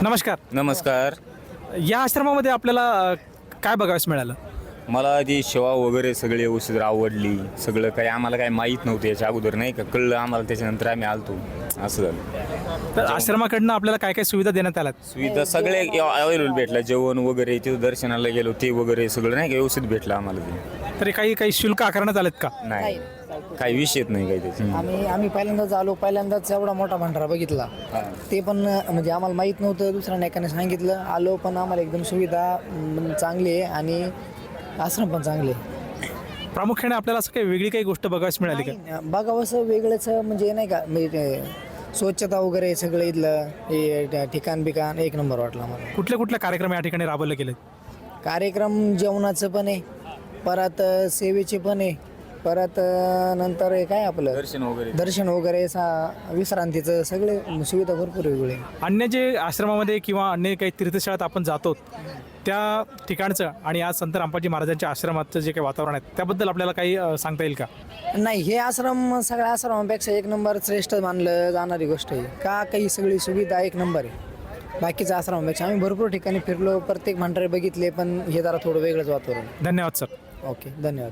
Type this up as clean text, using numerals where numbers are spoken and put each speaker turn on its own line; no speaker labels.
नमस्कार.
नमस्कार.
या आश्रमामध्ये आपल्याला काय बघायला मिळालं?
मला ती सेवा वगैरे सगळी व्यवस्थित आवडली. सगळं काही आम्हाला काही माहीत नव्हतं याच्या अगोदर, नाही का, कळलं आम्हाला त्याच्यानंतर आम्ही आलतो. असं झालं.
तर आश्रमाकडनं आपल्याला काय काय सुविधा देण्यात आल्यात?
सुविधा सगळे अवेलेबल भेटला. जेवण वगैरे, तिथं दर्शनाला गेलो ते वगैरे सगळं, नाही का, व्यवस्थित भेटलं आम्हाला ते.
तरी काही शुल्क आकारण्यात आलेत का?
नाही, काही विषयच नाही काही त्याचे.
आम्ही पहिल्यांदाच आलो, पहिल्यांदाच एवढा मोठा भंडारा बघितला. ते पण म्हणजे आम्हाला माहीत नव्हतं, दुसऱ्या नायकाने सांगितलं. आलो पण आम्हाला एकदम सुविधा चांगली आहे आणि आश्रम पण चांगले आहे.
प्रामुख्याने आपल्याला असं काही वेगळी काही गोष्ट बघायला मिळाली का?
बघावं असं वेगळंच म्हणजे नाही का, म्हणजे स्वच्छता वगैरे सगळं इथलं हे ठिकाण बिकाण एक नंबर वाटलं मला.
कुठल्या कार्यक्रम या ठिकाणी राबवले गेलेत?
कार्यक्रम जेवणाचं पण आहे, परत सेवेचे पण आहे, परत नंतर हे काय आपलं दर्शन वगैरे विश्रांतीचं सगळे सुविधा भरपूर वेगळे.
अन्य जे आश्रमामध्ये किंवा अन्य काही तीर्थशाळेत आपण जातो त्या ठिकाणचं आणि आज संत रामपाजी महाराजांच्या आश्रमाचं जे काही वातावरण आहे त्याबद्दल आपल्याला काही सांगता येईल का?
नाही, हे आश्रम सगळ्या आश्रमापेक्षा एक नंबर श्रेष्ठ मानलं जाणारी गोष्ट आहे. का काही सगळी सुविधा एक नंबर आहे बाकीच्या आश्रमापेक्षा. आम्ही भरपूर ठिकाणी फिरलो, प्रत्येक भंडारे बघितले, पण हे जरा थोडं वेगळंच वातावरण.
धन्यवाद सर.
ओके, धन्यवाद.